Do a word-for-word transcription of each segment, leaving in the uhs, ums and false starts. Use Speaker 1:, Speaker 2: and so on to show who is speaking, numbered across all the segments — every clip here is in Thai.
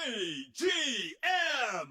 Speaker 1: จี เอ็ม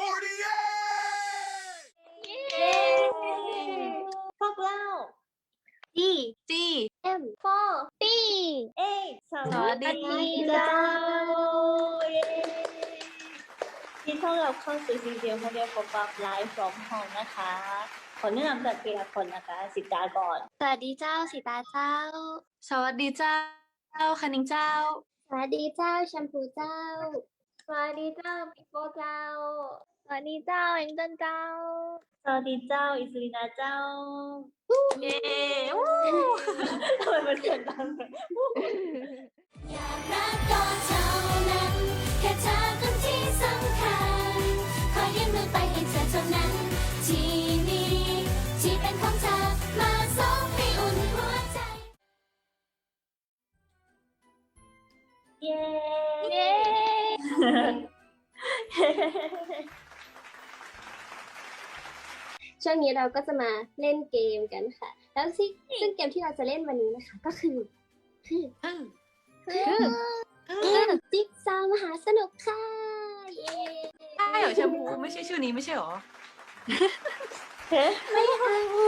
Speaker 1: สี่สิบแปด
Speaker 2: เย้พวกเรา
Speaker 3: D G
Speaker 2: M สี่
Speaker 3: B
Speaker 2: เอส
Speaker 3: สวัสดี
Speaker 2: เจ้าเย้ยินดีต้อนรับเข้าสู่ซีเรียลโมเดลโฟกัสไลฟ์ฟรอมโฮมนะคะขอแนะนำจากทีละคนนะคะสิตาก่อน
Speaker 3: สวัสดีเจ้าสีตาเจ้า สวัสดีเจ้าคณิงเจ้า
Speaker 2: สวัสดีเจ้าแชมพูเจ้าสวัสดีเจ้าปิโป้เจ้าสวัสดีเจ้าเอ็งเจินเจ้าสวัสดีเจ้าอิสุรินาเจ้า
Speaker 3: เย้
Speaker 2: ทำไมมันเสียงดัง
Speaker 4: อยากรักก็เท่านั้น แค่เธอคนที่สำคัญ ขอยื่นมือไปให้เธอเท่านั้น ที่นี่ที่เป็นของเธอมาสบให้อุ่นหัวใจ
Speaker 2: เย้
Speaker 3: เย้
Speaker 2: ช่วงนี้เราก็จะมาเล่นเกมกันค่ะ แล้วซึ่งซึ่งเกมที่เราจะเล่นวันนี้นะคะก็คือคือ
Speaker 3: อืม
Speaker 2: คือเกมจิ๊กซอว์มหาสนุกค่ะเย้
Speaker 3: ใช่เหรอแชมพูไม่ใช่ชื่อนี้ไม่ใช่เหรอ
Speaker 2: ไม่เอา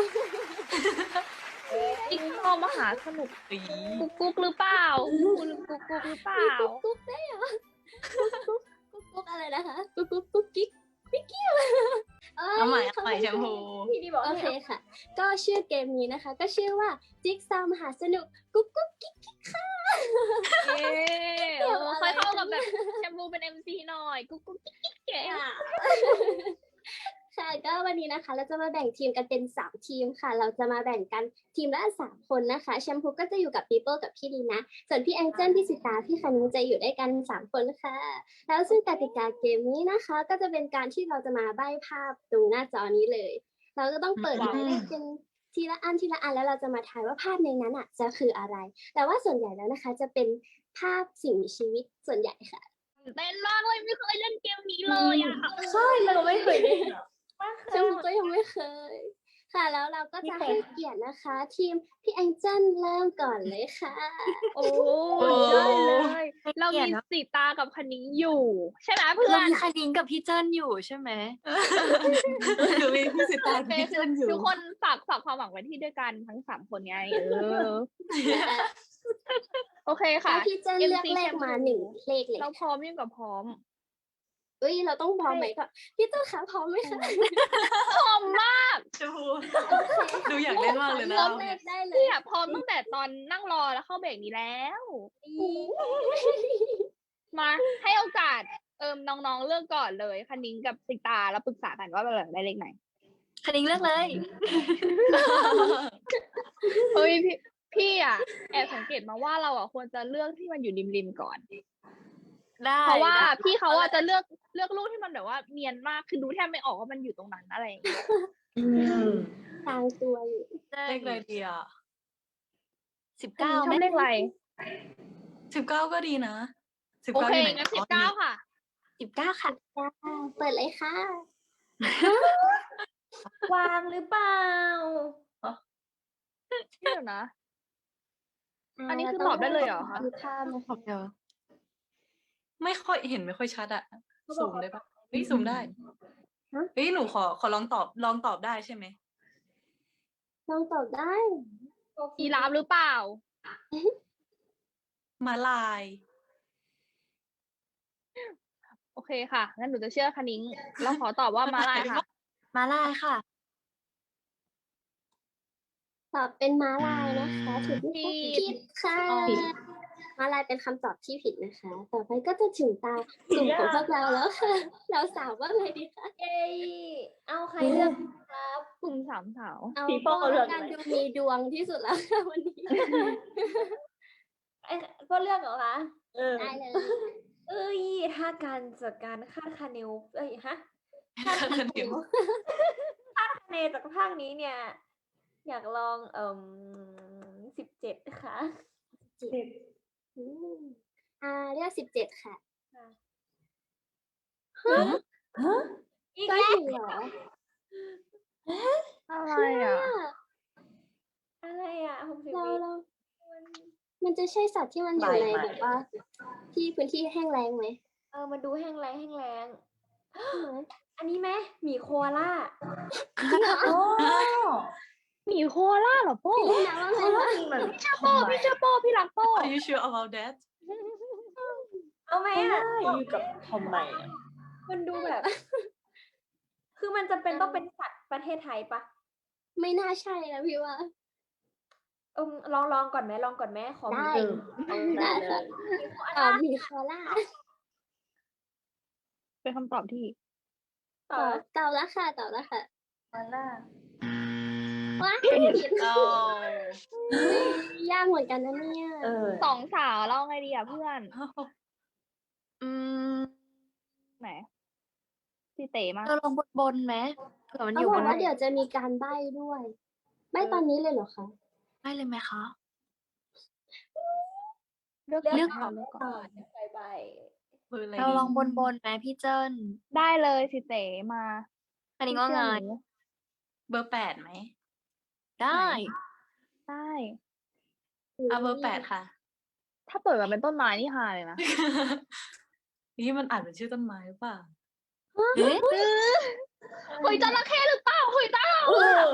Speaker 5: จิ๊กซอว์มหาสนุก
Speaker 3: อี
Speaker 5: กุ๊กกุ๊กหรือเปล่าคุณกุ๊กกุ๊กหรือเปล่า
Speaker 2: กุ๊กกุ๊กได้เหรอกุ๊กกุ๊กกุ๊กกุ๊กอะไรนะคะกุ๊กกุ๊กกุ๊กกิ๊กปิ๊กกี้อะไรเอ้ย
Speaker 3: เอาใหม่เอาใหม่แชมพู
Speaker 2: พี่ดีบอกโอเคค่ะ ก็ชื่อเกมนี้นะคะ ก็ชื่อว่าจิ๊กซอว์มหาสนุกกุ๊กกุ๊กกิ๊กกิ๊กค่ะ
Speaker 5: เย้โอ้ค่อยเข้ากับแบบแชมพูเป็น เอ็ม ซี หน่อย กุ๊กกุ๊กกิ๊กกิ๊กเก๋
Speaker 2: ค่ะค่ะก็วันนี้นะคะ เราจะมาแบ่งทีมกันเป็นสามทีมค่ะ เราจะมาแบ่งกันทีมละสามคนนะคะแชมพูก็จะอยู่กับปีเปิลกับพี่ลีนะส่วนพี่แองเจิลพี่สิตาพี่คณิงจะอยู่ด้วยกันสามคนค่ะ แล้วซึ่งกติกาเกมนี้นะคะ ก็จะเป็นการที่เราจะมาใบ้ภาพตรงหน้าจอนี้เลย เราก็ต้องเปิดหมายเลขเป็นทีละอันทีละอันแล้วเราจะมาทายว่าภาพในนั้นอ่ะจะคืออะไร แต่ว่าส่วนใหญ่แล้วนะคะ จะเป็นภาพสิ่งมีชีวิตส่วนใหญ่ค่ะ
Speaker 5: เต้นมากเลยไม่เคยเล่นเกมนี้เลยอ่ะ
Speaker 2: ใช่เราไม่เคยเล่นชมพูก็ยังไม่เคย ค่ะแล้วเราก็จะให้เกียรตินะคะ ทีมพี่แองเจิลเริ่มก่อนเลยค่ะ
Speaker 5: โอ้ได้เลย เรามีสีตากับคณิ้งอยู่ ใช่ไหมเพื่อ
Speaker 3: เรา
Speaker 5: น
Speaker 3: มีคณิงกับพี่เจิ้นอยู่ใช่ไหมหรือมีพี่สิตา
Speaker 5: โอเค
Speaker 3: พี่
Speaker 5: คื
Speaker 3: เจิ้
Speaker 5: อน
Speaker 3: อยู่
Speaker 5: ทุกคนฝากฝากความหวังไว้ที่ด้วยกันทั้งสามคนไงเออ โอเคค่ะ
Speaker 2: ให้พี่เจิ้นเลือกเลขมาหนึ่งเลขเลย
Speaker 5: เราพร้อมยิ่งกว่าพร้อม
Speaker 2: เอ้ยเราต้องพร้อมไหมก่อนพี่เจิ้นคะพร้อมไหมคะ
Speaker 5: พร้อมมาก
Speaker 3: แชมพูดูอยากเล่นมากเลยนะ
Speaker 2: เลือก
Speaker 3: เรา
Speaker 2: เล
Speaker 3: เนี่ย
Speaker 2: ขได้เล
Speaker 5: พี่
Speaker 2: ย
Speaker 5: อะพร้อมตั้งแต่ตอนนั่งรอแล้วเข้าเบรกนี้แล้ว มาให้โอกาสเอิมน้องๆเลือกก่อนเลยคณิ้งกับสิตาแล้วปรึกษากันว่าเราอยากได้เลขไหน
Speaker 3: คณิงเลือกเลย
Speaker 5: เฮ้ยพี่พี่อะแอบสังเกตมาว่าเราอะควรจะเลือกที่มันอยู่ริมๆก่อน
Speaker 3: ได้
Speaker 5: เพราะว่า
Speaker 3: ได้
Speaker 5: พี่เขาอะจะเลือกเลือกรูปที่มันแบบว่าเนียนมากคือดูแทบไม่ออกว่ามันอยู่ตรงนั้นอะไรอย่างเงี้ย
Speaker 3: อืม
Speaker 2: ทางตัวอยู่
Speaker 3: เลขอะไรดีอ่ะสิบ
Speaker 5: คณิ้
Speaker 3: เก้าง
Speaker 5: ชอบเลขอะไร
Speaker 3: สิบเก้าก็ดีนะสิบ
Speaker 5: โอ
Speaker 3: เก้า
Speaker 5: เค
Speaker 3: อยู่ไหน
Speaker 5: งั้นสิบเก้าค่ะ
Speaker 3: สิบเก้าค่ะ
Speaker 2: จ้าเปิดเลยค่ะ
Speaker 6: วางหรือเปล่า
Speaker 5: เชื่อนะ อันนี้คือตอบได้เลยเหรอคะ
Speaker 2: ดูภาพนะ
Speaker 3: ขอบเดียวไม่ค่อยเห็นไม่ค่อยชัดอะซูมได้ปะเฮ้ยซูมได้เฮ้ยหนูขอขอลองตอบลองตอบได้ใช่ไหม
Speaker 2: ลองตอบได้
Speaker 5: ยีราฟหรือเปล่า
Speaker 3: มาลาย
Speaker 5: โอเคค่ะ งั้นหนูจะเชื่อคณิ้งเราขอตอบว่ามาลายค่ะ
Speaker 3: มาลายค่ะ
Speaker 2: ตอบเป็นม้าลายนะคะถูกไหมคะ
Speaker 5: ผิด
Speaker 2: ผิดค่ะ
Speaker 3: อ๋อผิด
Speaker 2: ม้าลายเป็นคำตอบที่ผิดนะคะ ต่อไปก็จะถึงตากลุ่มของพวกเราแล้วค่ะ เราสาวว่าไงดีคะ
Speaker 6: เย้เอาใครเลือกครับ
Speaker 5: กลุ่มสามสาว
Speaker 2: เอา
Speaker 6: พี่โป้
Speaker 2: ก็
Speaker 6: เลือก
Speaker 2: การดูมีดวงที่สุดแล้วค่ะวันนี้
Speaker 6: ไอ้ก็เลือกเหรอคะ
Speaker 3: เออ
Speaker 2: ได้เลย
Speaker 6: เอ้ย ถ้าการจัดการคาดคะเนวเอ้ยฮะ
Speaker 3: คาดคะเนว
Speaker 6: คาดคะเนจากภาคนี้เนี่ย อยากลองเอ่มสิบเจ็ดค่ะ
Speaker 2: อืมอ่าเลือกสิบเจ็ดค่ะ
Speaker 6: อีก
Speaker 2: ก็
Speaker 6: แล้ว
Speaker 2: ถึงเหรอ
Speaker 5: อะไรอ่ะ
Speaker 6: อะไรอ่ะหกสิบ
Speaker 2: เรา
Speaker 6: วิ
Speaker 2: เรา มันจะใช่สัตว์ที่มันอยู่ในแบบว่า ที่พื้นที่แห้งแล้งไหม
Speaker 6: เอมันดูแห้งแล้งแห้งแล้ง
Speaker 2: ใช่ไหม
Speaker 6: อันนี้ไหมหมีโคอาล่า
Speaker 7: โอ้
Speaker 5: หมีโคอาล่าเหรอโป้
Speaker 2: พี่ลีนาว่าไง
Speaker 7: เขา
Speaker 2: คะ
Speaker 7: จริงเหมือน
Speaker 5: โป้พี่เชื่อโป้พี่รักโป้
Speaker 3: Are you sure about that
Speaker 6: เอาไหม
Speaker 7: ไม่
Speaker 6: อ่ะ
Speaker 7: ได้อยู่กับทอมไมอะ
Speaker 6: มันดูแบบ คือมันจะเป็นต้องเป็นสัตว์ประเทศไทยปะ
Speaker 2: ไม่น่าใช่นะพี่ว่า
Speaker 6: เอมลองลองก่อนไหมลองก่อนไหมขอหมี
Speaker 2: ได้
Speaker 7: เออเอา
Speaker 2: ได้
Speaker 7: ได้เล
Speaker 2: ค่ะ
Speaker 7: ย
Speaker 6: หมีโคอา
Speaker 2: อ่า
Speaker 6: ล่า
Speaker 2: มีโคล่า
Speaker 5: เป็นคำตอบที่
Speaker 6: ต่อ
Speaker 2: เต่าละค่ะเต่าละค่ะ
Speaker 7: มาล่า
Speaker 2: ว้ายผิด
Speaker 3: เอา
Speaker 2: ยากเหมือนกันนะเนี่ย
Speaker 7: เออ
Speaker 5: สองสาวเราไงดีอ่ะเพื่อน
Speaker 3: อืม
Speaker 5: ไหนพี่เต๋มา
Speaker 8: เราลงบนบนๆไหมเผื่อมันอ
Speaker 2: เขา
Speaker 8: ยู่
Speaker 2: บบ อก
Speaker 8: น
Speaker 2: ว่าเดี๋ยวจะมีการใบ้ด้วยใบ้ตอนนี้เลยเหรอคะ
Speaker 8: ได้เลยไหมคะ
Speaker 5: เลือก
Speaker 8: เลือก
Speaker 5: ก่อนเลือกก่อน
Speaker 6: ใบใบ
Speaker 3: เบอร์อะไร
Speaker 8: เรา
Speaker 3: ดี
Speaker 8: ลองบนบนๆไหมพี่เจิ้น
Speaker 5: ได้เลยสิเต๋มา
Speaker 8: อันนี้ก็ไง
Speaker 5: พี่เชื่อหนู
Speaker 3: เบอร์แปดไหม
Speaker 8: ได้
Speaker 5: ได้
Speaker 3: อ่ะเบอร์แปดค่ะ
Speaker 5: ถ้าเปิดมาเป็นต้นไม้นี่ฮาเลยนะ
Speaker 3: นี่มันอ่านเป็นชื่อต้นไม้หรือเปล่า
Speaker 8: เอ๊ะ
Speaker 5: เฮ้ยจระเข้หรือเปล่าเฮ้ยเต้า
Speaker 7: เออ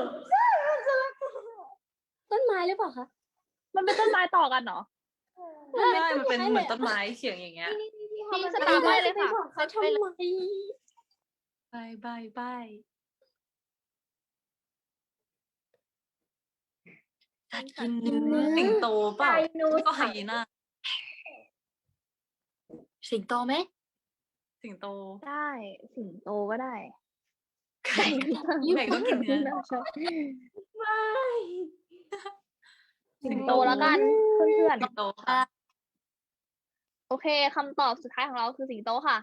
Speaker 2: ต้นไม้หรือเปล่าคะ
Speaker 5: มันเป็นต้นไม้ต่อกันเหรอ
Speaker 3: ไม่ได้มันเป็นเหมือนต้นไม้เฉียงอย่างเงี้ย
Speaker 5: พี่สตาร์ทได้เลยค่ะ
Speaker 2: ไปบอกเขาทำไม
Speaker 3: บายบายบาย
Speaker 8: สัตว์กินเนื้อ
Speaker 3: สิงโตเปล่า
Speaker 6: ไดโน
Speaker 3: ไม่ก็
Speaker 6: เสา
Speaker 3: ไฮ
Speaker 6: ร์
Speaker 3: ยีน่า
Speaker 8: สิงโตไหม
Speaker 3: สิงโต
Speaker 5: ได้สิงโตก็ได้
Speaker 3: ไก่ไก่ต้องกินเนื้อ
Speaker 6: ไม่
Speaker 5: สิงโตแล้วกันเพื่อน
Speaker 3: สิงโตค่ะ
Speaker 5: ๆโอเคคำตอบสุดท้ายของเราคือสิงโตค่ะ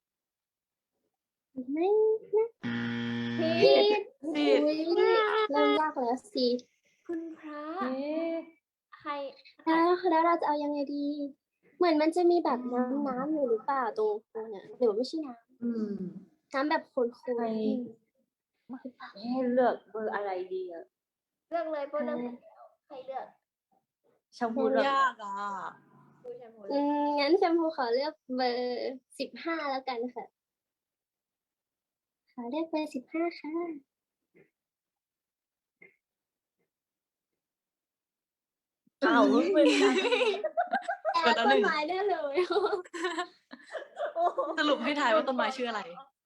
Speaker 2: ไม่นะ
Speaker 6: พี่
Speaker 2: ผิดอุ้ยเริ่มยากแล้วสิ
Speaker 6: คุณพระ
Speaker 7: เอ๊ะ
Speaker 6: ใคร
Speaker 2: แล้วแล้วเราจะเอายังไงดี เหมือนมันจะมีแบบน้ำน้ำอยู่หรือเปล่าตรงตรงเนี่ยหรือว่าไม่ใช่น้
Speaker 7: อืม
Speaker 2: ำน้ำแบบโคลน
Speaker 7: ใคร
Speaker 2: ๆ
Speaker 7: ให้เลือกเบอร์อะไรดีอะ
Speaker 6: เลือกเลยโปรเลือกแล้วใครเลือก
Speaker 7: ชมพูเลือก
Speaker 3: ยากอ่ะ
Speaker 6: ดูแชมพู
Speaker 2: อืมงั้นแชมพูขอเลือกเบอร์สิบห้าแล้วกันค่ะขอเลือกเบอร์สิบห้าค่ะ
Speaker 7: อ้าวเป็น
Speaker 2: แอบต้นไม้ได้เลย
Speaker 3: สรุปให้ทายว่าต้นไม้ชื่ออะไร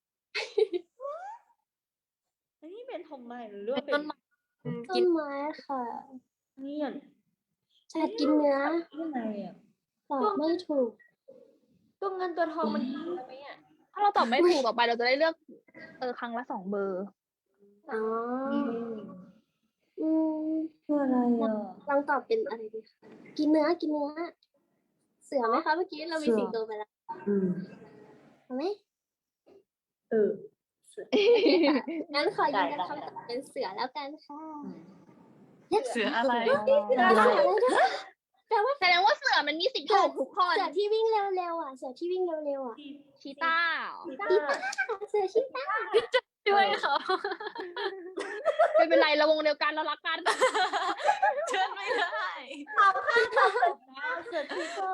Speaker 7: อันนี้เป็นทอมไมหรือว่า
Speaker 8: เป็น
Speaker 7: เป็
Speaker 8: ต้
Speaker 7: น
Speaker 8: นไม้
Speaker 2: ต้นไม้ค่ะ
Speaker 7: เนี่ย
Speaker 2: สัตว์กินเนื้อ
Speaker 7: ยังไงอ่ะ
Speaker 2: ตอบไม่ถูก
Speaker 6: ตัวเงินตัวทองมันกินได้ไหมอ่ะ
Speaker 5: ถ้าเราตอบไม่ถูกต่อไปเราจะได้เลือกเออครั้งละสองเบอร์
Speaker 2: อ๋ออืม
Speaker 7: คืออะไรอ่ะ
Speaker 2: ลองตอบเป็นอะไรดีคะกินเนื้อกินเนื้อ เสือไหมคะเมื่อกี้เรามี
Speaker 7: เสือ
Speaker 2: สิงโตไปแล้ว
Speaker 7: อืม
Speaker 2: เอาไหม
Speaker 7: เออ
Speaker 2: งั้นขอยืนยัน
Speaker 7: ได้
Speaker 2: คำตอบเป็นเสือแล้วกันค่ะ
Speaker 3: เสืออะไร
Speaker 2: เสืออะไรนะแปลว่า
Speaker 5: แสดงว่าเสือมันมีสิทธิ์ถูกทุกคน
Speaker 2: เสือที่วิ่งเร็วๆอ่ะ เสือที่วิ่งเร็วๆอ่ะ
Speaker 5: ชีต้า
Speaker 7: ชีต้า
Speaker 2: เสือชิตา
Speaker 8: ด้วยค่ะ
Speaker 5: ไม่เป็นไรเราวงเดียวกันเรารักกัน
Speaker 3: เชิญไม่ได้
Speaker 7: เสือทิกเกอร์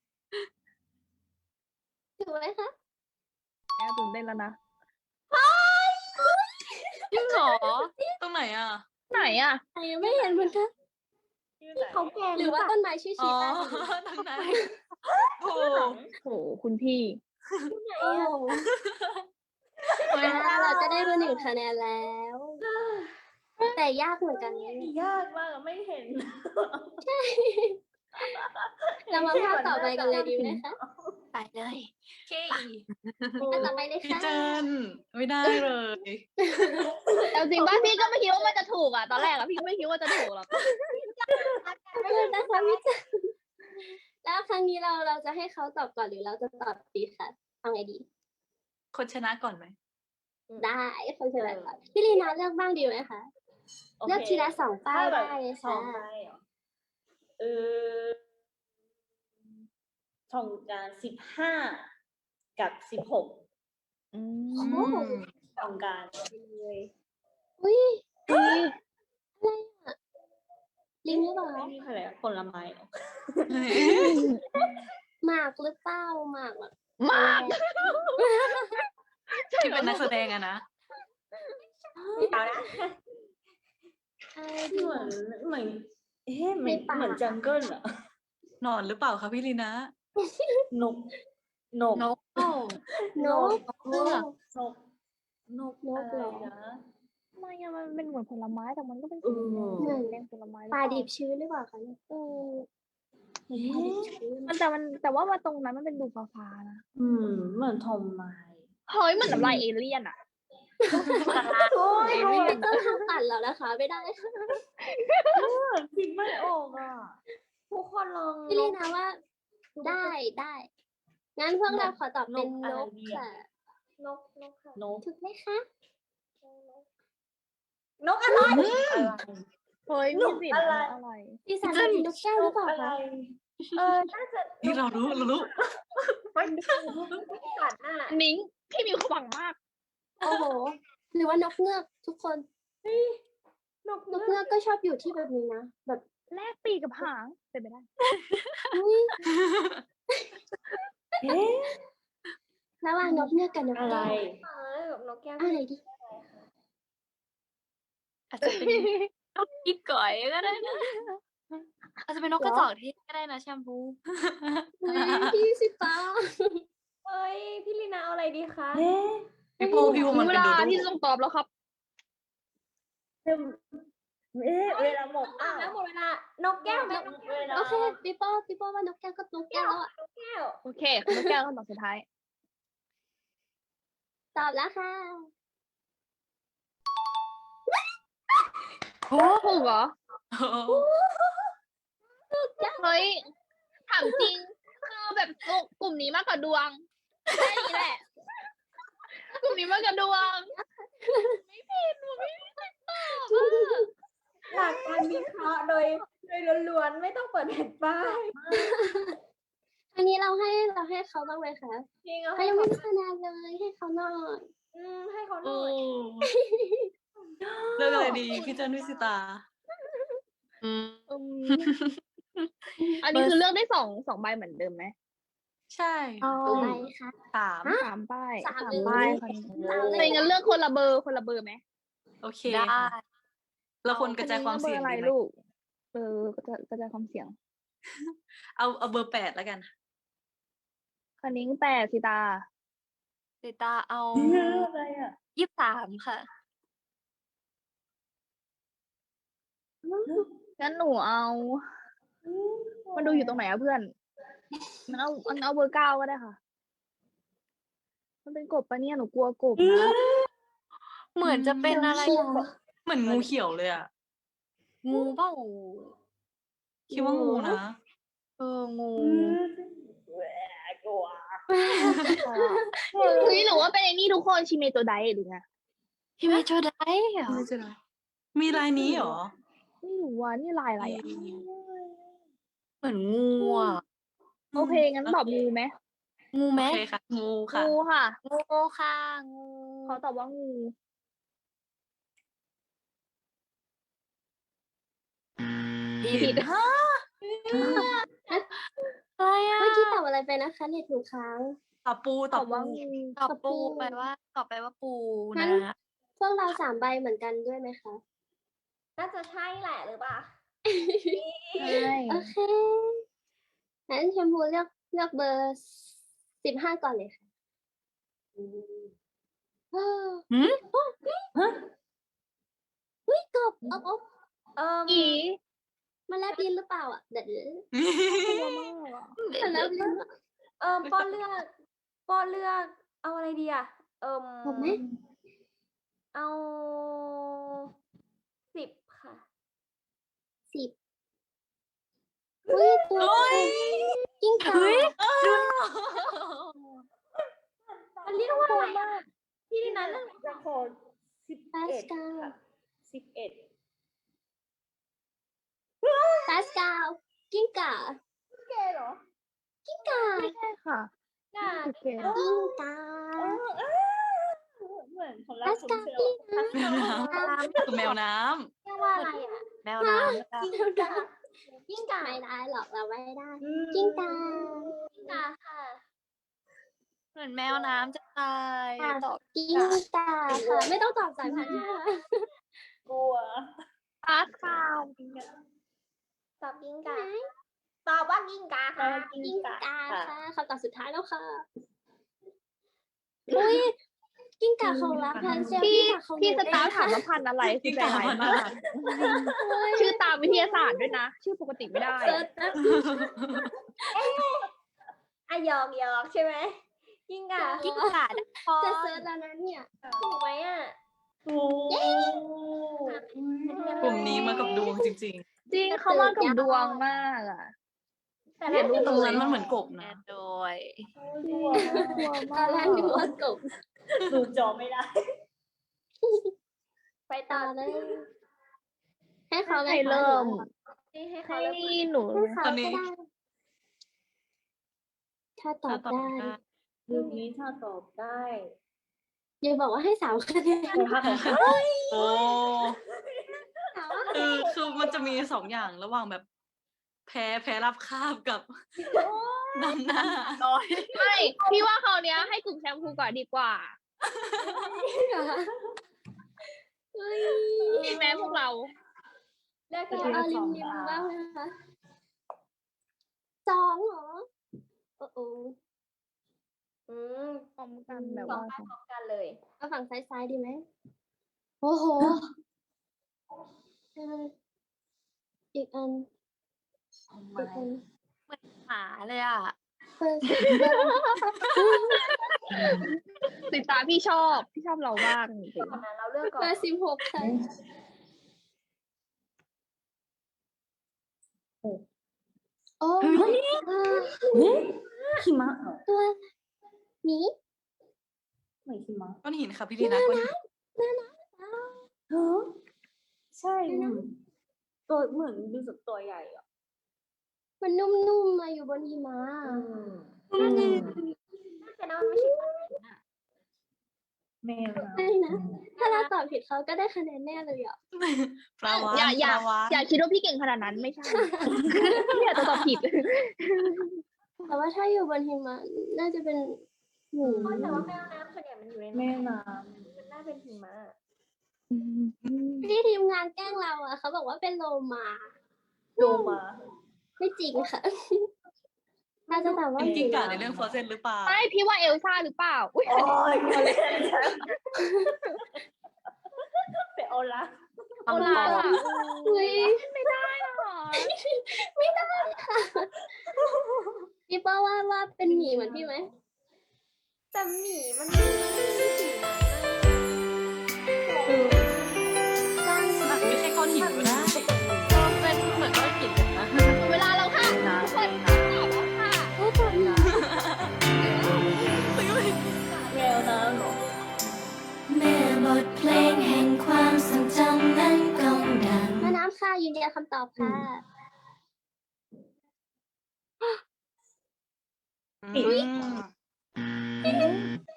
Speaker 2: ถูกไหมคะ
Speaker 5: แอบตื่นเต้นแล้วนะ
Speaker 8: จริงเหรอ
Speaker 3: ตรงไหนอ่ะ
Speaker 5: ไหนอ่ะ
Speaker 2: ใครยังไม่เห็นเหมือนกัน
Speaker 7: ชื่อไหน
Speaker 6: เขาแกง
Speaker 2: หรือว่าต้นไม้ชื่อ
Speaker 3: อ๋
Speaker 2: ชี
Speaker 3: อ
Speaker 2: ตา
Speaker 3: ตรงไหนโอ้
Speaker 5: โหคุณพี่
Speaker 2: โอ้โหอ่าเราจะได้รู้หนึ่งคะแนนแล้ว แต่ยากเหมือนกันนะ
Speaker 7: ยากมากอะไม่เห็น
Speaker 2: เรามาภาพต่อไปกันเลยดีไหมคะ
Speaker 8: ไปเลย
Speaker 3: เค
Speaker 2: อันต่อไปเลย
Speaker 3: พี่
Speaker 2: ค่ะ
Speaker 3: เจนไม่ได้เลย
Speaker 5: แต่จริงป่ะพี่ก็ไม่คิดว่ามันจะถูกอ่ะ ตอนแรกอ่ะพี่ก็ไม่คิดว่าจะถูกหรอก
Speaker 2: ขอบคุณนะคะพี่จันแล้วครั้งนี้เราเราจะให้เขาตอบก่อนหรือเราจะตอบดีคะเอาไงดี
Speaker 3: คนชนะก่อนไหม
Speaker 2: ได้คนเฉลยก่อนพี่ลีนาเลือกบ้างดีไหมคะ เลือกทีละสองป้ายได้เลย
Speaker 7: สอ
Speaker 2: ค่ะ
Speaker 7: งป้ายเหรอเออสองการสิบห้ากับสิบหก
Speaker 5: อื
Speaker 2: โอ้
Speaker 5: ม
Speaker 2: โห
Speaker 7: สองการ
Speaker 6: เลย
Speaker 2: อุ้ย
Speaker 5: พี่
Speaker 2: ลิงหรือเปล่า
Speaker 7: ไม่มีอะไรผลไม้เหรอ
Speaker 2: หมากหรือเปล่าหมากแบบ
Speaker 5: มาก
Speaker 3: ที่เป็นนักแสดงอะนะ
Speaker 6: เอานะ
Speaker 2: อะไร
Speaker 7: เห
Speaker 2: ดี
Speaker 7: มือนเหมือนเอ๊ะเหมือน
Speaker 2: ในป่า
Speaker 7: เหมือนจังเกิลอะ
Speaker 3: นอนหรือเปล่าคะพี่ลีนะ
Speaker 7: นกนก
Speaker 8: นกเอ้าน
Speaker 2: ก
Speaker 8: เลือก
Speaker 7: นกนก
Speaker 2: นก
Speaker 7: อะไร
Speaker 2: เหรอ
Speaker 7: นะ
Speaker 5: ทำไมอะมันเป็นเหมือนผลไม้แต่มันก็เป็น
Speaker 7: เอ
Speaker 5: สี
Speaker 7: อ
Speaker 5: แดงแดงผลไม้หรือ
Speaker 2: ปลา
Speaker 5: เปล่า
Speaker 2: ดิบชื้นหรือเปล่าคะเนี่ย
Speaker 5: เออ
Speaker 2: ปลาดิบชื้น
Speaker 5: มันแต่มันแต่ว่ามาตรงนั้นมันเป็นดูฟ้าๆนะ
Speaker 7: อืมเหมือนทอมไม้
Speaker 5: เฮ้ยเหมือนน้ำลายเอเลี่ยนอะ
Speaker 2: โอ้ยไม่ต้องทำตัดแล้วนะคะ ไม่ได้ค่ะ
Speaker 7: คิดไม่ออกอ่ะ
Speaker 6: ทุกคนลอง
Speaker 2: พี่ลีนะว่า ได้ได้ งั้นพวกเราขอตอบเป็น
Speaker 7: นก
Speaker 2: น
Speaker 7: อะไร
Speaker 2: ก
Speaker 7: ดี
Speaker 2: ค่ะ
Speaker 7: อะ
Speaker 6: นกนกค่ะ
Speaker 7: นก
Speaker 2: ถูกไหมคะ
Speaker 6: นกอะไร
Speaker 5: เฮ้ย
Speaker 7: น
Speaker 5: มี
Speaker 7: ก
Speaker 5: สิ
Speaker 7: อะไร
Speaker 5: อะไร
Speaker 2: พี่สารเป็นนกแก้วหรือเปล่า
Speaker 7: อะไร
Speaker 2: คะ
Speaker 6: เออน่าจะ
Speaker 3: นี่เรารู้เรารู้
Speaker 6: ไม่สัตว์น่ะ
Speaker 5: นิ้งพี่มีความหวังมาก
Speaker 2: โอ้โห หรือว่านกเงือกทุกคน
Speaker 6: นก
Speaker 2: นกเงือกก็ชอบอยู่ที่แบบนี้นะ แบบ
Speaker 5: แลกปีกกับหางเป็นไปได้
Speaker 2: อุ้ย
Speaker 7: เอ๊ะ
Speaker 2: ระหว่างนกเงือกกับนก
Speaker 7: อะไร
Speaker 2: แก้ว
Speaker 6: เออแบบนกแก้ว
Speaker 2: อะไรดี
Speaker 8: อาจจะเป็นนกอีก่อยก็ได้นะอาจจะเป็นนกกระจอกเทศก็ได้นะแชมพู
Speaker 2: อุ๊ยพี่สิตา
Speaker 6: เอ้ยพี่ลีนาเอาอะไรดีคะ
Speaker 7: เอ๊ะ
Speaker 3: พี่ภูพี่ภูมัน
Speaker 5: เว
Speaker 3: เป็น
Speaker 5: ลา
Speaker 3: โดโด
Speaker 5: ที่จะต้องตอบแล้วครับ
Speaker 7: เอ๊ะเวลาหมด
Speaker 6: อ่ะ
Speaker 7: อ้าว
Speaker 6: แล้วหมดเวลานกแก้วไหมนกแก้ว
Speaker 7: เวลา
Speaker 2: โอเคปีโป้ปีโป้ว่านกแก้วก็นกแก้วแล้วอะ
Speaker 6: นกแก้ว
Speaker 5: โอเคคุณแก้วคำตอบสุดท้าย
Speaker 2: ตอบแล้วค่ะ
Speaker 5: โอ้ถูกเหรอ
Speaker 3: โอ้
Speaker 5: เฮ้ย ถามจริง คือแบบกลุ่มนี้มากกว่าดวงแค่นี้แหละ กลุ่มนี้มากกว่าดวง ไม่ผิดหนูไม่ผิดตอบอะ
Speaker 6: หลักการวิเคราะห์โดยโดยล้วนๆไม่ต้องเปิดแผ่นป้าย
Speaker 2: อันนี้เราให้เราให้เขาบ้างไหมคะ
Speaker 6: จริงเอา
Speaker 2: เขา
Speaker 6: ให้
Speaker 2: ยัง
Speaker 6: เขา
Speaker 2: ไม่ได้คะแนนเลยให้เขาหน่อย
Speaker 6: อืมให้เขาห
Speaker 3: โอ้
Speaker 6: น่อย
Speaker 3: เลือกอะไรดีพี่เจนวิสิตา
Speaker 8: อืม
Speaker 5: อืมอันนี้คือเลือกได้สองสองใบเหมือนเดิมไหม
Speaker 3: ใช่
Speaker 2: เอาไปค่ะ
Speaker 3: สาม
Speaker 5: สามใบ
Speaker 2: สาม
Speaker 5: สาม
Speaker 2: เลย
Speaker 5: ใบ
Speaker 2: สาม
Speaker 5: ค่ะ
Speaker 2: เลย
Speaker 5: เป็นงั้นเลือกคนละเบอร์คนละเบอร์ไหม
Speaker 3: โอเค
Speaker 8: ได้
Speaker 3: ค่ะเราควรกระจายความเสี่ยง
Speaker 5: อัน
Speaker 3: ดี
Speaker 5: นี้
Speaker 3: ไหม
Speaker 5: เบอร์อะไรลูก เออกระจายกระจายความเสี่ยง
Speaker 3: เอาเอาเบอร์แปดแล้วกัน
Speaker 5: คันนิ้งแปดสิตา
Speaker 8: สิตาเอา
Speaker 7: เยอะอะไรอ่ะ
Speaker 8: ยี่สิบสามค่ะ
Speaker 5: งั้นหนูเอา มันดูอยู่ตรงไหนอะเพื่อน มันเอามันเอาเบอร์เก้าก็ได้ค่ะ มันเป็นกบปะเนี่ยหนูกลัวกบนะ
Speaker 8: เหมือนจะเป็นอะไร
Speaker 2: เขียว
Speaker 3: เหมือนงูเขียวเลยอ่ะ
Speaker 8: งูเปล่า
Speaker 3: คิดว่างูนะ
Speaker 8: เอองู
Speaker 7: แหวกกลัว
Speaker 5: เฮ้ยหรือว่าเป็นไอ้นี่ทุกคนชิเมโตไดหรือไง
Speaker 8: พี่ไม่ช่วยได้เหรอ
Speaker 3: ไม่ใช่ไรมีลายนี้เหรอ
Speaker 5: ไม่รู้ว่านี่ลายอะไรอ่ะ
Speaker 8: เหมือนงูอ่ะ
Speaker 5: โอเค งั้นตอบงูไหม
Speaker 8: งูไหม
Speaker 3: โอเคค่ะ งูค่ะ
Speaker 5: งูค่ะ
Speaker 8: งูค่ะงู
Speaker 5: เขาตอบว่างู
Speaker 8: ผิดฮะอะไรอ่ะ
Speaker 2: เมื่อกี้ตอบอะไรไปนะคะเน็ตหนูค้าง
Speaker 3: ตอบปู
Speaker 5: ต
Speaker 3: ต
Speaker 5: อ
Speaker 3: อ
Speaker 5: บบ ว่า
Speaker 3: ปู
Speaker 5: งู
Speaker 8: ตอบปูไปว่าตอบไปว่าปู
Speaker 2: งั้
Speaker 8: นะ
Speaker 2: น พวกเราสามใบเหมือนกันด้วยไหมคะ
Speaker 6: น่าจะใช่แหละหรือเปล่า
Speaker 5: ใช่
Speaker 2: โอเค งั้นชมพูเลือกเลือกเบอร์สิบห้าก่อนเลยค่ะอืมอ้าว
Speaker 3: หืม
Speaker 2: เฮ้ยกบอบอบ
Speaker 6: เอ่อ
Speaker 5: อี
Speaker 2: มาแลบลิ้นหรือเปล่าอ่ะเดี๋ยวเดี๋ยว
Speaker 5: กลัวมากอะ
Speaker 2: มาแลบลิ้นอะ
Speaker 6: เอ่อป้อนเลือกป้อนเลือกเอาอะไรดีอ่ะ เอ่ม
Speaker 2: ผมไหม
Speaker 6: เอาสิบค่ะ
Speaker 2: สิบอุ้ยตัว
Speaker 3: โอ้ย
Speaker 2: กิ้งก่า
Speaker 8: เฮ้ย
Speaker 6: มันเรียกว่าอะไรอะพี่ดินันเรื่อง
Speaker 7: จะขอสิบ
Speaker 2: พา
Speaker 7: เอ็
Speaker 2: ส
Speaker 7: ด
Speaker 2: กาล
Speaker 7: ค่ะสิบเอ็ด
Speaker 2: พาสกาลกิ้งก่า
Speaker 6: แกเหรอ
Speaker 2: กิ้งก่า
Speaker 5: ไม่ใช่ค่ะ
Speaker 6: น่า
Speaker 5: โอเค
Speaker 2: กิ้งก่า
Speaker 7: เหมือนของเรา
Speaker 2: พาส
Speaker 7: คุณ
Speaker 2: กาล
Speaker 7: เซล
Speaker 2: กิ้ง
Speaker 3: แมวน้
Speaker 2: ก่า
Speaker 3: ำคือแมวน้
Speaker 6: เรียกว่าอะไรอ่ะ
Speaker 8: แมวน้ำค่ะ
Speaker 6: กิ้งก่ากิ้งก่า
Speaker 2: ไม่ได้หรอกเราไม่ได้
Speaker 7: อืม
Speaker 2: กิ้งก่า
Speaker 6: กิ้งก่าค่ะ
Speaker 8: เหมือนแมวน้ำจะตาย
Speaker 2: ค่ะ
Speaker 8: ตอบ
Speaker 2: กิ้งก่าค่ะ ไม่ต้องตอบสายพันธุ์ใช่ไหมคะ
Speaker 7: กลัว
Speaker 5: พาร์ทคาวจริงอะ
Speaker 6: ตอบกิ้งกาตอบว่ากิ้งกาค่ะ
Speaker 2: กิ้งก่าค่ะคำตอบสุดท้ายแล้วค่ะอุ้ยกิ้งก่าของรักพันเซล
Speaker 5: พี่
Speaker 2: กิ้งก่าของห
Speaker 5: พี่
Speaker 2: นู
Speaker 5: ส
Speaker 2: เอ
Speaker 5: ตาร์
Speaker 2: ง
Speaker 5: ถาม
Speaker 2: ค่ะ
Speaker 5: ว่าพันธุ์อะไรคือใจร้ายมาก
Speaker 2: โอ้ย
Speaker 5: ชื่อตามวิทยาศาสตร์ด้วยนะ ชื่อปกติไม่ได้
Speaker 2: เซิร์ชนะ
Speaker 6: อ่ะหยอกหยอกใช่ไหมกิ้งกา
Speaker 8: กิ้งก่าดักคอ
Speaker 2: จะเซิร์ชแล้วนะเนี่ย
Speaker 6: ถูกไหมอ่ะ
Speaker 7: ถูก
Speaker 3: กลุ่มนี้มากับดวงจริง
Speaker 5: จริงเขามากับดวงมากอ่ะ
Speaker 6: แต่
Speaker 5: เห็
Speaker 6: ละ
Speaker 5: น
Speaker 3: ๆ ตรงนั้นมันเหมือนกบ
Speaker 8: แน่
Speaker 3: นะ
Speaker 8: โดย
Speaker 7: กลัว
Speaker 2: ตอนแรกนึกว่ากบ
Speaker 7: ดูจอไม่ได้
Speaker 6: ไปต่
Speaker 2: ต่
Speaker 6: อ
Speaker 2: อ
Speaker 6: เล
Speaker 2: เลย ย ให้เขาไหม
Speaker 5: ใคร
Speaker 2: คะ
Speaker 5: เริ่ม
Speaker 6: นี่ให้
Speaker 5: ให้
Speaker 6: เขาเริ่ม
Speaker 5: หนู
Speaker 2: ให้เขา
Speaker 3: ตอน
Speaker 2: ก็
Speaker 3: นี้
Speaker 2: ได้ ถ้าตอ
Speaker 3: ถ้า
Speaker 2: บ
Speaker 3: ตอบ
Speaker 2: ได้
Speaker 3: ได้
Speaker 7: รูปนี้ถ้าตอบได้
Speaker 2: อย่าบอกว่าให้สามคะแนน
Speaker 7: ถ้าตอบได้
Speaker 3: โอ้
Speaker 2: สามคะแน
Speaker 3: คือน คือมันจะมีสองอย่างระหว่างแบบ แพ้แพ้รับคาบกับนำหน้า
Speaker 8: น้อย
Speaker 5: ไม่พี่ว่าคราวเนี้ยให้กลุ่มแชมพูก่อนดีกว่า
Speaker 2: เฮ้ย
Speaker 5: ใช่ไหมพวกเรา
Speaker 6: เลือก
Speaker 2: เรา
Speaker 6: ที่
Speaker 2: เอาริมริมบ้างนะคะสองเหรอ โอ้โห
Speaker 6: อืม
Speaker 5: พร้อมกันแบบ
Speaker 6: สอง
Speaker 5: ว่า
Speaker 6: ป้ายพร้อมกันเลย
Speaker 2: เอาฝั่งซ้ายๆดีไหม โอ้โหเอออีกอัน อีกอัน
Speaker 8: หมาเลยอ่ะ
Speaker 2: เปิด
Speaker 5: ติดตามพี่ชอบ พี่ชอบเรามากจริง
Speaker 6: ก่อนนะเราเลือกก่อน
Speaker 2: เบอร์สิบหกค่ะ โอ้อ่า
Speaker 7: หิมะเหรอ
Speaker 2: ตัวหมี
Speaker 7: ไม่หิมะ
Speaker 3: ก้อนหินค่ะพี่ดีนะก้อนหิน
Speaker 7: เฮ้อใช่อืมตัวเหมือนดูสุดตัวใหญ่อ่ะ
Speaker 2: มันนุ่มๆมาอยู่บนหิมะ
Speaker 6: อืมน่าจะนะมันไม่ใช่ปลาหินอะ
Speaker 7: แมวนะ
Speaker 2: ใช่นะ ถ้าเราตอบผิดเขาก็ได้คะแนนแน่เลยอ่ะ
Speaker 3: ปลาวา
Speaker 5: อย่า
Speaker 3: ฬ
Speaker 5: อย่า
Speaker 3: ปลาวาฬ
Speaker 5: อย่าคิดว่าพี่เก่งขนาดนั้นไม่ใช่ พี่อาจจะตอบผิด
Speaker 2: แต่ว่าถ้าอยู่บนหิมะน่าจะเป็นหมู
Speaker 6: แต่ว่าแมวน้ำส่วนใหญ่มันอยู่ใน
Speaker 7: แม่
Speaker 6: น้ำ
Speaker 7: น้
Speaker 6: มันน่าเป็นหิมะ
Speaker 2: ที่ทีมงานแกล้งเราอ่ะเขาบอกว่าเป็นโลมา
Speaker 7: ำโลมา
Speaker 2: ไม่จริงค่ะ เราจะตอบว่า
Speaker 3: เป็น
Speaker 2: ห
Speaker 3: กิ้ง
Speaker 2: มู
Speaker 3: ก่าในเรื่องฟอร์เซนหรือเปล่า
Speaker 5: ไม่พี่ว่าเอลซ่าหรือเปล่า อุ้ย
Speaker 7: โอ้ยเขาเล่นเป็นโอลาฟ
Speaker 5: โอลาล่ะ
Speaker 2: เฮ้ย
Speaker 5: ไม่ได้หรอ
Speaker 2: ไม่ได้ค่ะพี่เป้าว่าว่าเป็นหมีเหมือนพี่ไหม
Speaker 6: แต่หมีมันมีหิมะ
Speaker 2: เออ
Speaker 3: อาจจะไม่ใช่ก้อนหินก็ได้
Speaker 8: เป็นเหมือนก้อนหินเลยนะ
Speaker 5: เวลาเราค่ะ
Speaker 7: นะ
Speaker 5: ทุกคนตอบแล้วค่ะ
Speaker 2: โอ้ตอบหมี
Speaker 7: แมวน้ำเหรอ
Speaker 4: เมื่อบทเพลงแห่งความทรงจำนั้นก้องดัง
Speaker 2: แม่น้ำค่ะยืนยันคำตอบค่ะ
Speaker 3: อืม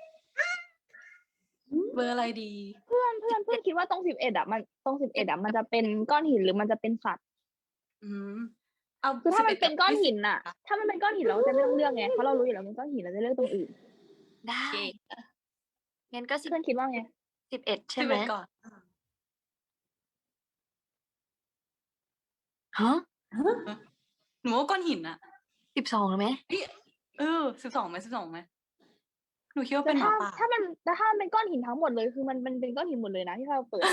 Speaker 3: เบอร์อะไรดี
Speaker 5: เพื่อนเพื่อนเพื่อนคิดว่าตรงสิบเอ็ดอ่ะมันตรงสิบเอ็ดอ่ะมันจะเป็นก้อนหินหรือมันจะเป็นสัตว์
Speaker 3: อืมเอา
Speaker 5: คือถ้ามัน
Speaker 3: 11
Speaker 5: เป็นก้อนหิน
Speaker 3: กับ
Speaker 5: อ่ะ ถ้ามันเป็นก้อนหินเราก็จะไม่ต้องเลือกไงเพราะเรารู้อยู่แล้วมันก้อนหินเราจะเลือกตรงอื่น
Speaker 8: ได้งั้นก็สิบ
Speaker 5: เพื่อนคิดว่าไง
Speaker 8: สิบเอ็ด
Speaker 3: ยี่
Speaker 8: ใช่
Speaker 3: สิบ
Speaker 8: ไหม
Speaker 3: เอ็ดก่อน
Speaker 8: ฮะ
Speaker 3: หนูว่าก้อนหินอะ
Speaker 8: สิบสองหรือไหม
Speaker 3: เออสิบสองไหมสิบสองไหมหนูคิดว่า
Speaker 5: แต่
Speaker 3: เป็นหมา
Speaker 5: ถ้า
Speaker 3: ป่า
Speaker 5: ถ้ามันแต่ถ้ามันเป็นก้อนหินทั้งหมดเลยคือมันมันเป็นก้อนหินหมดเลยนะที่เราเปิด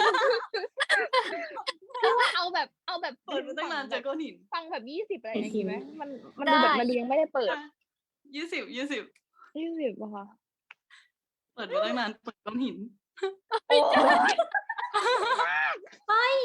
Speaker 5: คือว่าเอาแบบเอาแบบ
Speaker 3: เปิดมาตั้งนานเจอก้อนหิน
Speaker 5: ฟังแบบยี่สิบอะไรอย่างงี้ไหมมันมันดูแบบมันดูยังไม่ได้เปิด
Speaker 3: ยี่สิบยี่สิบ
Speaker 5: ยี่สิบป่ะคะ
Speaker 3: เปิดมาตั้งนานเปิดก้อนหิน
Speaker 5: โอ้ย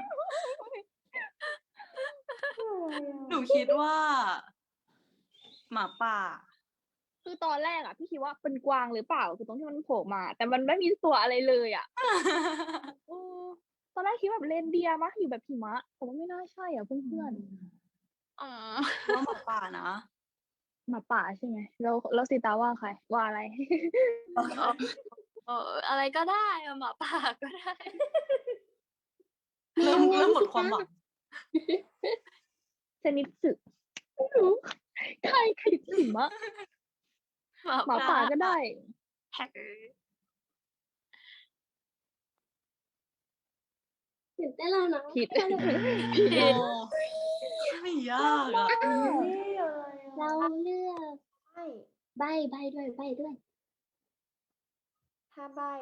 Speaker 3: หนูคิดว่า หมาป่า
Speaker 5: คือตอนแรกอ่ะพี่คิดว่าเป็นกวางหรือเปล่าคือตรงที่มันโผล่มา แต่มันไม่มีตัวอะไรเลยอ่ะเออตอนแรกคิดแบบเรนเดียร์มะอยู่แบบหิมะแต่ว่าไม่น่าใช่อ่ะเพื่อน
Speaker 8: อ๋อ
Speaker 3: ว่าหมาป่านะ
Speaker 5: ๆหมาป่าใช่ไหมแล้วแล้วสีตาว่าใครว่าอะไร
Speaker 8: เอออะไรก็ได้อะหมาป่าก็ได้
Speaker 3: เริ่มเริ่มหมดความหวัง
Speaker 5: ชนิดสึไม่รู้ใครใครหิมะหมาป่าก็ได้
Speaker 2: ตื่นเต้นแล้วเนาะ
Speaker 5: ผิด
Speaker 2: เราจะเป็น
Speaker 3: โอ้ไม่ยากอ่ะ
Speaker 6: นี่เลย
Speaker 2: เราเลือก
Speaker 6: ใช่
Speaker 2: ใบใบด้วยใบด้วย
Speaker 6: ถ้าใบ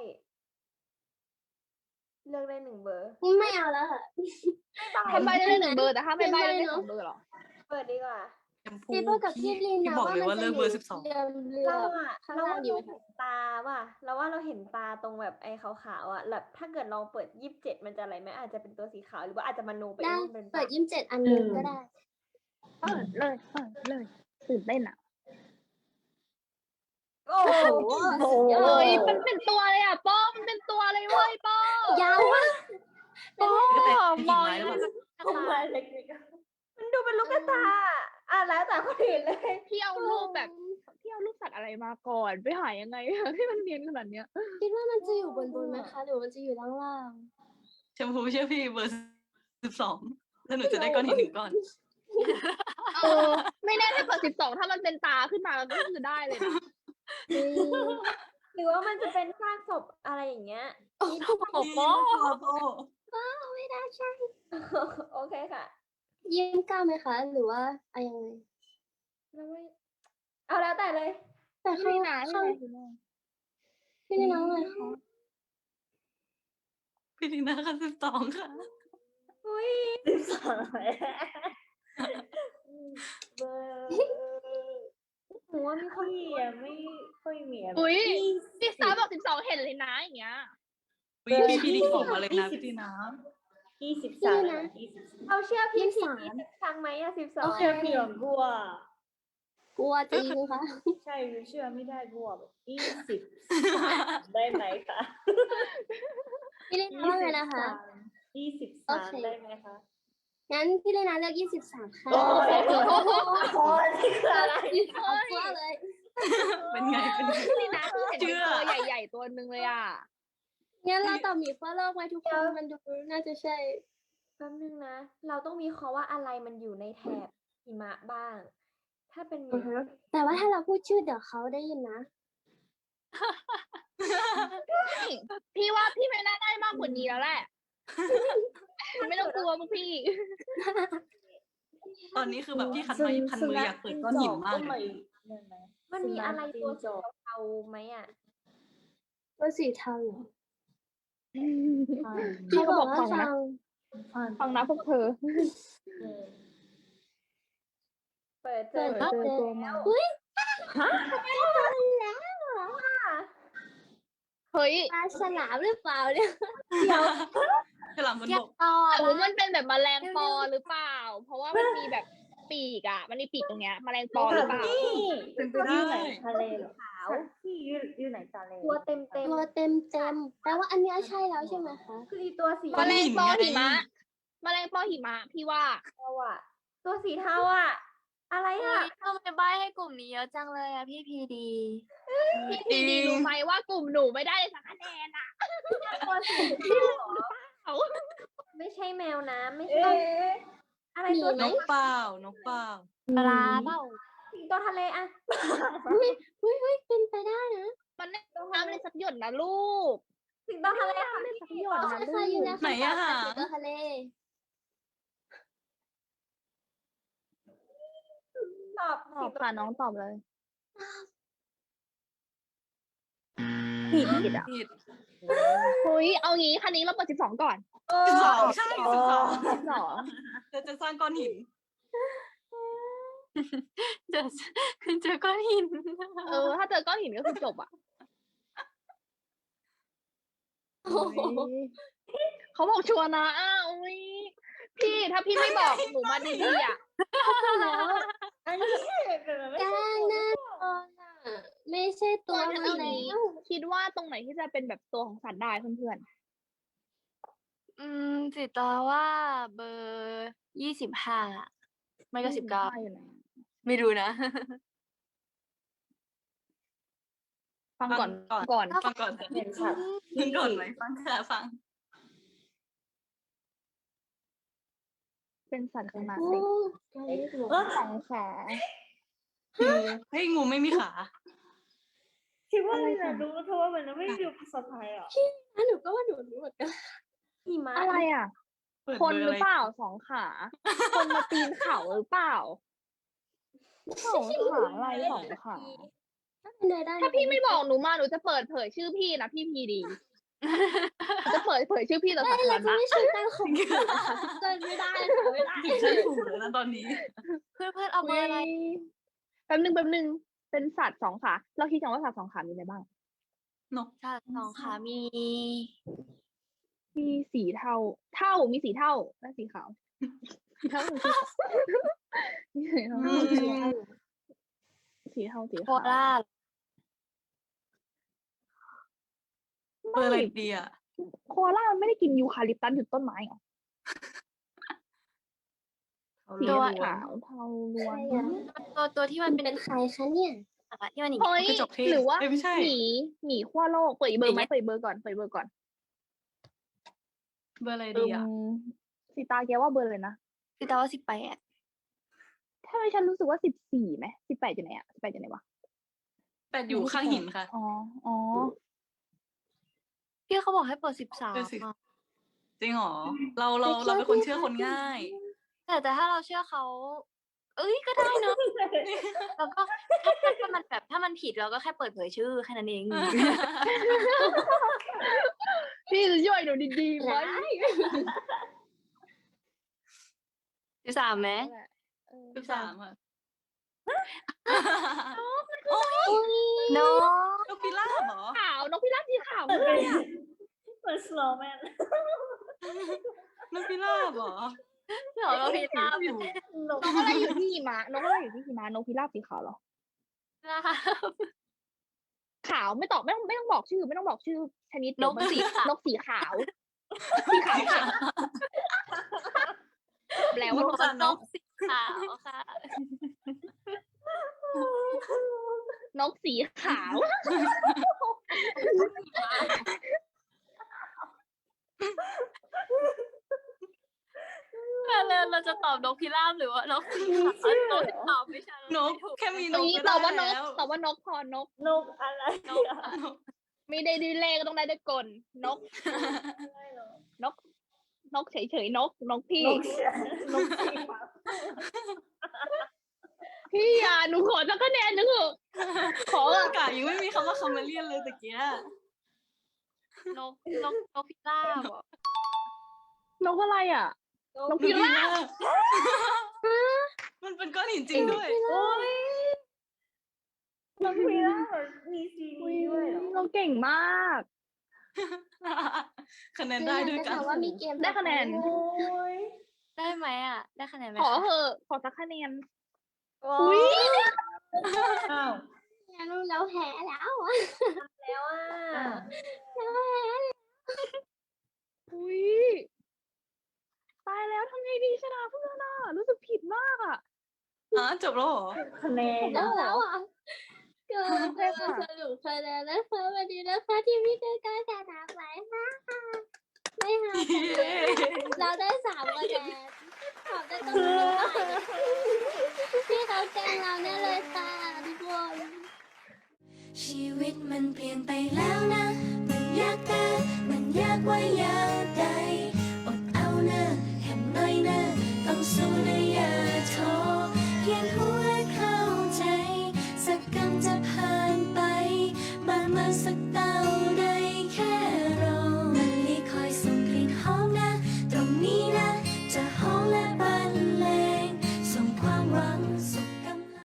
Speaker 6: เลือกได้หนึ่งเบอร์
Speaker 2: ไม่เอาแล้วค่ะ
Speaker 5: ถ้าใบได้หนึ่งเบอร์แต่ถ้าไม่ใบได้สองเบอร์เหรอ
Speaker 6: เปิดดีกว่า
Speaker 3: แชมพู
Speaker 2: พี่เปิ้ลกับพี่ลิน
Speaker 3: พี่
Speaker 2: นะ
Speaker 3: บอก
Speaker 2: ว่า
Speaker 3: เลย
Speaker 2: มัน
Speaker 3: ว่า
Speaker 2: จะ
Speaker 3: เลือก
Speaker 2: อ
Speaker 3: เบอยู่ ร์สิบสอง
Speaker 2: เรือเรือ
Speaker 6: เราอะ
Speaker 2: ข้าง
Speaker 6: เรา
Speaker 2: ล่า
Speaker 6: ว่าง
Speaker 2: ดี
Speaker 6: เรา
Speaker 2: ไหม
Speaker 6: เห็
Speaker 2: คะ
Speaker 6: นตาว่ะเราว่าเราเห็นตาตรงแบบไอ้ขาวๆอ่ะแบบถ้าเกิดลองเปิดยี่สิบเจ็ดมันจะอะไรไหมอาจจะเป็นตัวสีขาวหรือว่าอาจจะมโนไปเอ
Speaker 2: ได้
Speaker 6: งว่ามันเป็น
Speaker 2: เปิด
Speaker 6: ปาก
Speaker 2: ยี่สิบเจ็ดอันหนึงก็ได้
Speaker 5: เปิดเลยเปิดเลยตื่นเต้นอ่ะ
Speaker 6: โอ้โห
Speaker 5: เอ้ยมันเป็นตัวเลยอ่ะป้อมันเป็นตัวเลยเว้ยป้อย
Speaker 2: าวมาก
Speaker 5: ป้อ
Speaker 3: จะเป็น
Speaker 5: มอง
Speaker 3: กิ่งไม้หรือเปล่า
Speaker 6: ผมมาเล็กๆมันดูเป็นลูกกระตาอ่ะแล้วแต่คนอื่นเลย
Speaker 5: พี่เอารูปแบบพี่เอารูปสัตว์อะไรมาก่อนไปหายังไงอะ ให้มันเนียนขนาดเนี้ย
Speaker 2: คิดว่ามันจะอยู่บนบนไหมคะ หรือมันจะอยู่ล่างล่าง
Speaker 3: แชมพูเชื่อพี่เบอร์สิบสองแล้วหนูจะได้ก้อนหินหนึ่งก้อน
Speaker 5: เออไม่แน่ถ้าเกิดสิบสองถ้ามันเป็นตาขึ้นมามันก็คือได้เลยนะ
Speaker 2: ๆนี่
Speaker 6: หรือว่ามันจะเป็นซากศพอะไรอย่างเงี้ย
Speaker 3: โอ้โห
Speaker 2: ไม่ได้ใช่
Speaker 6: โอเคค่ะ
Speaker 2: ยิ้มกล้าไหมคะ หรือว่าอะไรยังไง
Speaker 6: แล้วไม่เอาแล้วแต่เลย
Speaker 2: แต่ข้าง
Speaker 5: พี่นา
Speaker 2: ข้าง
Speaker 5: พี่นา
Speaker 2: พี่นี่น้องเลยค่ะ
Speaker 3: พี่ดีน่าค่ะสิบสองค่ะ
Speaker 6: อุ้ย
Speaker 7: สิบสองเบอร์
Speaker 6: หนูว่ามีคน
Speaker 7: พี่อะไม่ค่อยมีอะไร
Speaker 5: อุ้ยพี่สาวบอกสิบสองเห็นเลยนะอย่างเงี้ย
Speaker 3: อุ๊ยพี่พี่ดีบอกมาเลยนะพี่ดีนะ
Speaker 7: ยี่สิบสามยี่สิบสาม
Speaker 6: เอาเชื่อพี่
Speaker 2: ยี่สิ
Speaker 6: ผิ
Speaker 2: บ
Speaker 6: ด
Speaker 2: สาม
Speaker 6: ครั้งไหมอะสิบสอ
Speaker 7: โอง เคพี่หลงกลัว
Speaker 2: กลัวจริงค่ะ
Speaker 7: ใช่เชื่อไม่ได้กลัวแบบยี่สิบสามได้ไหมคะ
Speaker 2: พี่ลินาว่าไงนะคะ
Speaker 7: ยี่สิบ
Speaker 2: โอ
Speaker 7: สาม
Speaker 2: เค
Speaker 7: ได้ไหมคะ
Speaker 2: งั้นพี่ลินาเลือกยี่สิบสามค่ะ
Speaker 7: โอ้ยโอ้ยนี่คืออะไร
Speaker 2: เอากลัวเลย
Speaker 3: เป็นไงเป็นไง
Speaker 5: นี่นะคือเห็น
Speaker 3: เชื่
Speaker 5: เป็น
Speaker 3: อ
Speaker 5: ตัวใหญ่ๆตัวหนึ่งเลยอ่ะ
Speaker 2: งั้นเราตอบหมีขั้วโลกไว้ทุกคนมันดูน่าจะใช่
Speaker 6: แป๊บนึงนะ เราต้องมีข้อว่าอะไรมันอยู่ในแถบหิมะบ้าง ถ้าเป็นหมี
Speaker 2: แต่ว่าถ้าเราพูดชื่อเดี๋ยวเขาได้ยินนะ
Speaker 5: พี่ว่าพี่ไม่น่าได้มากกว่านี้แล้วแหละ ไม่ต้องกลัวพวกพี่
Speaker 3: ตอนนี้คือแบบพี่คันไม้พันมืออยากเปิดก้อนหินมากเลย
Speaker 6: มันมีอะไรตัวสีเทาๆไหมอะ
Speaker 2: ว่าสีเทาเหรอ
Speaker 5: พี่เขาบอก
Speaker 2: ว่า
Speaker 5: ฟังนะ
Speaker 2: ฟัง
Speaker 5: ฟังนะพวกเธอ
Speaker 6: เปิดเจ
Speaker 2: เปิ
Speaker 6: อ
Speaker 2: ด
Speaker 5: เจอ
Speaker 2: เจอ
Speaker 5: ตัวมา
Speaker 2: อุ้ย
Speaker 5: เฮ้ย
Speaker 2: ปลาฉลามหรือเปล่าเนี่ย
Speaker 3: ฉลามบนบก
Speaker 5: หรือมันเป็นแบบแมลงปอหรือเปล่า เพราะว่ามันมีแบบปีกอ่ะ มันมีปีกตรงเนี้ยแมลงปอหรือเปล่า
Speaker 3: เป็นไป
Speaker 7: อ
Speaker 3: ได้
Speaker 7: ยู่ไหนทะเลเหรอ
Speaker 6: ขาว
Speaker 7: พี่อยู่อยู่ไหนทะเล
Speaker 6: ตัวเต็มเต็ม
Speaker 2: ตัวเต็มเต็มแปลว่าอันเนี้ยใช่แล้วใช่ไหมคะ
Speaker 6: คืออีตัวสี
Speaker 5: แมลงปอ
Speaker 3: ก้อนหิ
Speaker 5: หิ
Speaker 3: นไง
Speaker 5: มะแมลงปอหิมะพี่ว่า
Speaker 6: เทาอะตัวสีเทาอะอะไรอะ
Speaker 8: ทำไมใบให้กลุ่มนี้เยอะจังเลยอะพี่พีดี
Speaker 5: พี่พีดีรู้ไหมว่ากลุ่มหนูไม่ได้สักคะแนนอ่ะ
Speaker 6: ตัวสีเทาเหรอ
Speaker 5: เอา
Speaker 6: ไม่ใช่แมวน้ำไม่
Speaker 7: เอ๊
Speaker 6: ใช่
Speaker 7: ะ
Speaker 6: อะไรตัวน
Speaker 3: นกเปล่านกเปล่า
Speaker 8: ปลาเปล่า
Speaker 6: สิงโตทะเลอะ
Speaker 2: อุ้ยอุ้ยอุ้ยเป็นไปได้นะ
Speaker 5: มันไม่น้ำเลยสักหยดนะลูก
Speaker 6: สิงโตทะเลค่ะ
Speaker 5: ไม่
Speaker 6: พี่
Speaker 5: สักหยด
Speaker 2: ใช่
Speaker 5: นะลู
Speaker 2: ค่ะอยู่
Speaker 5: ก
Speaker 2: ใน
Speaker 3: ไหนอะหา
Speaker 2: สิงโตทะเล
Speaker 6: ตอบ
Speaker 5: ตอบค่ะน้องตอบเลย
Speaker 7: ผิดผิดอ่ะ
Speaker 3: ผิด
Speaker 5: เฮ้ยเอางี้คันนี้เราเปิดสิบสองก่อน
Speaker 6: เอ
Speaker 3: สิบส
Speaker 6: อ
Speaker 3: องใช่สิบสอง
Speaker 5: สิบสอง
Speaker 3: เราจะสร้างก้อนหิน
Speaker 8: เจอคือเจอก้อนหิน
Speaker 5: เออ ถ้าเจอก้อนหินก็คือจบอ่ะ
Speaker 2: โอ้โห
Speaker 5: เขาบอกชัวร์นะอ้าวอุ๊ยพี่ถ้าพี่ไม่บอกหนูมาดีๆอ่ะ
Speaker 2: แล้ว
Speaker 7: อันนี้เป็นไม่
Speaker 2: ก
Speaker 7: ใช่
Speaker 2: ลางหน้าตอนอ่ะ ไม่ใช่ตัวมัน
Speaker 5: เอา
Speaker 2: แล้
Speaker 5: งี้
Speaker 2: ว
Speaker 5: คิดว่าตรงไหนที่จะเป็นแบบตัวของสัตว์ได้เพื่อน
Speaker 8: อืมจิตาว่าเบอร์ยี่สิบห้าไม่
Speaker 5: ๆ
Speaker 8: ก็สิบเก้า
Speaker 5: อยู่ไหน
Speaker 8: ไม่รู้นะ
Speaker 5: ฟังก่อน
Speaker 3: ฟังก่
Speaker 5: ก่
Speaker 3: อ
Speaker 5: อน น
Speaker 3: ฟังก่อน
Speaker 7: เป็นสัตว์
Speaker 3: ฟังก่อนไหมฟังค่ะฟัง
Speaker 5: เป็นสัตว์ขนาด
Speaker 2: โอ้
Speaker 5: เล็ก
Speaker 2: ไกลหัว
Speaker 7: เออ
Speaker 5: สองขา
Speaker 3: เฮ้ยงูไม่มีขา
Speaker 7: คิดว่าอะไรนะรู้เพราะว่ามันไม่มีภาษาไทยอ่ะ
Speaker 2: อ่ะหนูก็ว่าหนูรู้เหมือนกัน
Speaker 6: หิมะ
Speaker 5: อะไรอ่ะ
Speaker 3: เปิด
Speaker 5: คน
Speaker 3: เบอร์
Speaker 5: ห
Speaker 3: อะ
Speaker 5: รือ
Speaker 3: ไร
Speaker 5: เปล่าสองขา คนมาปีนเขาหรือเปล่าสองขาอะไรสองขา
Speaker 2: ถ้าเป็นเนยได้
Speaker 5: ถ้าพี่ไม่บอกหนูมาหนูจะเปิดเผยชื่อพี่นะพี่พีดีหนูจะเปิดเผยชื่อพี่ต่อ
Speaker 2: ไม่
Speaker 5: สา
Speaker 2: เรา
Speaker 5: ธาร
Speaker 2: จะ
Speaker 5: ณะ
Speaker 2: ไม่ใช่การข่มขู่นะคะพี่เติ้ลไม่ได้ค่ะไม่ได้
Speaker 3: ถึงขั้นถูกเลยนะตอนนี้
Speaker 8: เพื่อนเพื่อนเอาเบอร์อะไร
Speaker 5: แป๊บนึงแป๊บนึงเป็นสัตว์สองขา เราคิดกันว่าสัตว์สองขามีอะไรบ้าง
Speaker 3: นก
Speaker 8: ชาติสองขามี
Speaker 5: มีสีเทา เท่ามีสีเท่าและสีขาวสีเท่าหรือสีขาวมีสีเทา
Speaker 3: อืม
Speaker 5: สีเทาสี
Speaker 8: โค
Speaker 5: ขาว
Speaker 8: ราช
Speaker 3: เบอร์อะไรดีอ่ะ
Speaker 5: โคอาล่ามันไม่ได้กินยูคาลิปตัสอยู่ต้นไม้เหรอ
Speaker 3: เขา
Speaker 5: สี
Speaker 3: เรียก
Speaker 5: ขาวเทาล้วน
Speaker 2: ใช่อะ
Speaker 8: ตัวตัวที่
Speaker 2: มั
Speaker 8: มัน น
Speaker 2: เป็
Speaker 8: เป็น น
Speaker 2: ใครคะเนี่ย
Speaker 8: อะที่มันอย่าง
Speaker 5: เฮ้ย
Speaker 3: กระจกเทศ
Speaker 5: หรือว่า
Speaker 3: เอ้ยไม่ใช่
Speaker 5: หมีหมีขั้วโลกเปิดอีกเบอร์ไหม
Speaker 8: อย่างเงี้ย
Speaker 5: เปิดอีกเบอร์ก่อนเปิดอีกเบอร์ก่อน
Speaker 3: เบอร์อะไร
Speaker 5: เอิ
Speaker 3: ดี
Speaker 5: ม
Speaker 3: อ่ะ
Speaker 5: สีตาแกว่าเบอร์เลยนะ
Speaker 8: คือแต่ว่าสิบแปด
Speaker 5: ถ้าไม่ฉันรู้สึกว่าสิบสี่ไหมสิบแปดอยู่ไหนอะสิบแปดอยู่ไหนวะ
Speaker 3: แปดอยู่ข้างหินค่ะ
Speaker 5: อ๋ออ๋อ
Speaker 8: พี่เขาบอกให้เปิดสิบสาม
Speaker 3: เปิดสิ
Speaker 8: อะ
Speaker 3: จริงเหรอ เราเราเราเป็นคนเชื่อคนง่าย
Speaker 8: แต่แต่ถ้าเราเชื่อเขา เอ้ยก็ได้เนอะแล้วก็ถ้าถ้าถ้ามันแบบถ้ามันผิดเราก็แค่เปิดเผยชื่อแค่นั้นเอง
Speaker 5: พี่จะช่วยหนูดีๆไหม
Speaker 8: สิบสามไหม
Speaker 5: เออ
Speaker 3: สิบสามค่ะ
Speaker 8: โน
Speaker 3: นกพิราบเหรอ
Speaker 5: ขาวนกพิราบสีขาว
Speaker 7: เปิด
Speaker 5: เล
Speaker 7: เป็น
Speaker 5: ยอะ
Speaker 7: เปิดสโลว์แมน
Speaker 3: นกพิราบเหรอ
Speaker 8: เดี๋ยวเราพิราบ
Speaker 3: อยู่
Speaker 7: นก
Speaker 5: นกอะไรอยู่ที่หิมะนกอะไรอยู่ที่หิมะนกพิราบสีขาวเหรอ
Speaker 8: นะคะ
Speaker 5: ขาวไม่ตอบไม่ต้องไม่ต้องบอกชื่อ ไม่ต้องบอกชื่อชนิด
Speaker 8: นก
Speaker 5: เดี๋ยวมั
Speaker 8: สีขาวน
Speaker 5: กสีขาว สีขาวค่ะแปลว่าน
Speaker 3: น
Speaker 5: ก
Speaker 3: กอะ
Speaker 8: นกสีขาวค่ะ
Speaker 5: นกสีขาว
Speaker 8: แล้วเราจะตอบนกพิราบหรือว่านกสีขาวตอบตอบไม่ใช่
Speaker 3: นกแค่มีน
Speaker 5: ตรง
Speaker 3: ก
Speaker 5: นี้
Speaker 3: ก็
Speaker 5: ต
Speaker 3: ได้
Speaker 5: อบว่านก
Speaker 3: แล้ว
Speaker 5: ตอบว่านกพอนก
Speaker 7: นกอะไร
Speaker 8: นก
Speaker 7: อะ
Speaker 5: ไม่ได้ดีเลขต้องได้ด้วยกลนก นก นกเฉยๆนก นกพี่
Speaker 7: นกเสียนกสีขาว
Speaker 5: พี่อ่ะหนูขอสักคะแนนหนึงเถอะขอ
Speaker 3: โอ้
Speaker 5: อะ
Speaker 3: กายังไม่มีคำว่าคาเมเลียนเลยตะเกีย
Speaker 8: นกนกนกพิราบเหรอน
Speaker 5: กอะไรอ่ะ นก
Speaker 3: น
Speaker 5: พิ
Speaker 3: กพิ
Speaker 5: ราบ
Speaker 3: ราบมันเป็นก้อนหินจริงด้วย
Speaker 7: โอ้ยนกพิราบมีซี
Speaker 5: อุ๊
Speaker 7: นี
Speaker 5: ย
Speaker 7: ด้วยเหรอ
Speaker 5: เราเก่งมาก
Speaker 3: คะแนนได้ด้วยกัน
Speaker 2: ถามว่ามีเกม
Speaker 5: ได้คะแนน
Speaker 7: โอ้ย
Speaker 8: ได้ไหมอ่ะ ได้คะแนนไหม
Speaker 5: ขอ
Speaker 8: คะ
Speaker 5: เหอะขอสักคะแนน
Speaker 6: โอ้
Speaker 5: อุ๊
Speaker 6: ย
Speaker 5: ย
Speaker 7: อ้าว
Speaker 2: งั้นเราแพ้แล้วอะ
Speaker 6: แล้วอ่ะ
Speaker 5: อุ้ยตายแล้วทำไงดีชนะเพื่อนอ่ะรู้สึกผิดมากอ่ะ
Speaker 3: อ๋อจบแล้วเหรอ
Speaker 7: คะแนน
Speaker 2: แล้วแล้วอ่ะก็
Speaker 5: โอเคค่ะ
Speaker 2: สรุปคะแนนนะคะวันนี้นะคะที่พี่เต้ก็ชนะไปค่ะไม่ค่ะเราได้สามคะแนนขอบได้ตรงนี้พี่เขาแกล้งเราแน่เลยค่ะทุกคน
Speaker 4: ชีวิตมันเปลี่ยนไปแล้วนะ มันยากแต่มันยากว่ายากใดอดเอาเนอะแค่น้อยเนอะต้องสู้นะอย่าท้อเพียงหัวเข้าใจ สักกันจะผ่านไปบานมาสักเต่าใด